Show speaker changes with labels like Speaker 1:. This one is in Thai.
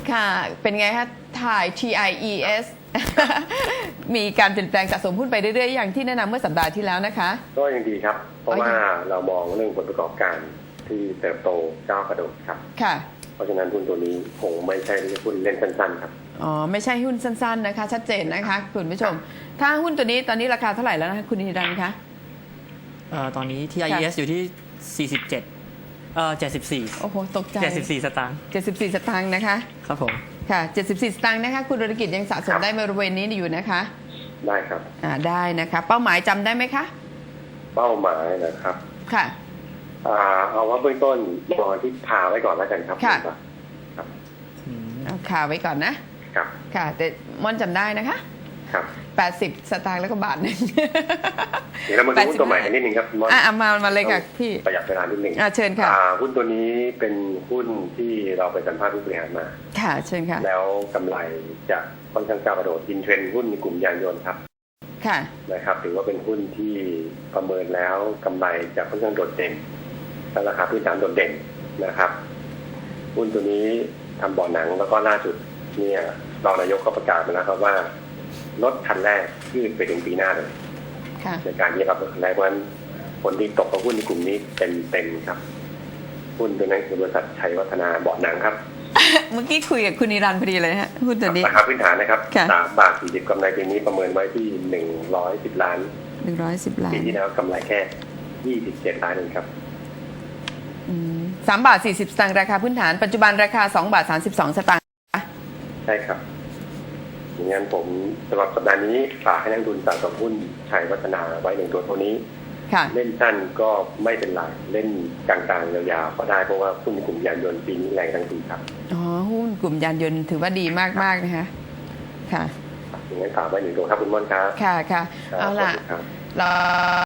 Speaker 1: ค่ะเป็นไงคะถ่าย TIES มีการเปลี่ยนแปลงสะสมหุ้นไปเรื่อยๆอย่างที่แนะนำเมื่อสัปดาห์ที่แล้วนะคะ
Speaker 2: ก็ยังดีครับเพราะว่าเรามองเรื่องผลประกอบการที่เติบโตก้าวกระโดดครับ
Speaker 1: ค่ะ
Speaker 2: เพราะฉะนั้นหุ้นตัวนี้คงไม่ใช่หุ้นเล่นสั้นๆครับ
Speaker 1: อ๋อไม่ใช่หุ้นสั้นๆนะคะชัดเจนนะคะคุณผู้ชมถ้าหุ้นตัวนี้ตอนนี้ราคาเท่าไหร่แล้วนะคะคุณนิรันดร์คะ
Speaker 3: ตอนนี้ TIES อยู่ที่74
Speaker 1: โอ้โหตกใจ
Speaker 3: 74 สตางค์
Speaker 1: 74 สตางค์นะคะ
Speaker 3: ครับผม
Speaker 1: ค่ะ74 สตางค์นะคะคุณธุรกิจยังสะสมได้บริเวณนี้อยู่นะคะ
Speaker 2: ได้ครับ
Speaker 1: ได้นะคะเป้าหมายจำได้ไหมคะ
Speaker 2: เป้าหมายนะครับ
Speaker 1: ค่ะ
Speaker 2: เอาว่าเบื้องต้นมองที่พาไว้ก่อนแล้วกันครับ
Speaker 1: ค่ะ
Speaker 2: ครับ
Speaker 1: เอาขาไว้ก่อนนะครับค่ะแต่ม่อนจำได้นะคะ
Speaker 2: ครับ
Speaker 1: 80 สตางค์แล้วก็บาทหนึ่ง
Speaker 2: เดี๋ยวเรามาดูหุ้นตัวใหม่กันนิดนึงครับ
Speaker 1: มาเลยค่ะพี่
Speaker 2: ประหยัดเวลานิดนึง
Speaker 1: เชิญค่ะ
Speaker 2: หุ้นตัวนี้เป็นหุ้นที่เราไปสัมภาษณ์ผู้บริหารมา
Speaker 1: ค่ะเชิญค่ะ
Speaker 2: แล้วกำไรจะค่อนข้างก้าวกระโดดอินเทรนด์หุ้นในกลุ่มยานยนต์ครับ
Speaker 1: ค่ะ
Speaker 2: นะครับถือว่าเป็นหุ้นที่ประเมินแล้วกำไรจะค่อนข้างโดดเด่นและราคาพื้นฐานโดดเด่นนะครับหุ้นตัวนี้ทำบ่อหนังแล้วก็ล่าสุดเนี่ยรองนายกก็ประกาศมาแล้วครับว่ารถคันแรกยืดไปถึงปีหน้าเลยในการที่จะรับรถคันแรกวันผลที่ตกกับหุ้นในกลุ่มนี้เป็นครับหุ้นตัวนั้นคือบริษัทชัยวัฒนาเบาะหนังครับ
Speaker 1: เมื่อกี้คุยกับคุณนิรันดร์พอดีเลยฮะหุ้นตัวนี้
Speaker 2: ราคาพื้นฐานนะครับ3.40 กำไรปีนี้ประเมินไว้ที่110 ล้าน
Speaker 1: 110 ล้าน
Speaker 2: ปีที่แล้วกำไรแค่27 ล้านเองครับ
Speaker 1: 3.40 สตางค์ราคาพื้นฐานปัจจุบันราคา2.32 สตางค์
Speaker 2: ใช่ครับอย่างนั้นผมสำหรับสัปดาห์นี้ฝากให้นักลงทุนสะสมหุ้นชัยวัฒนาไว้1 ตัวเท่านี้เล่นสั้นก็ไม่เป็นไรเล่นกลางๆยาวๆก็ได้เพราะว่าหุ้นกลุ่มยานยนต์ปีนี้แรงทั้งปีครับ
Speaker 1: หุ้นกลุ่มยานยนต์ถือว่าดีมากๆนะคะค่ะ
Speaker 2: อย่างนั้นฝากไว้1 ตัวครับคุณม่อนครับ
Speaker 1: ค่ะเอาล่ะ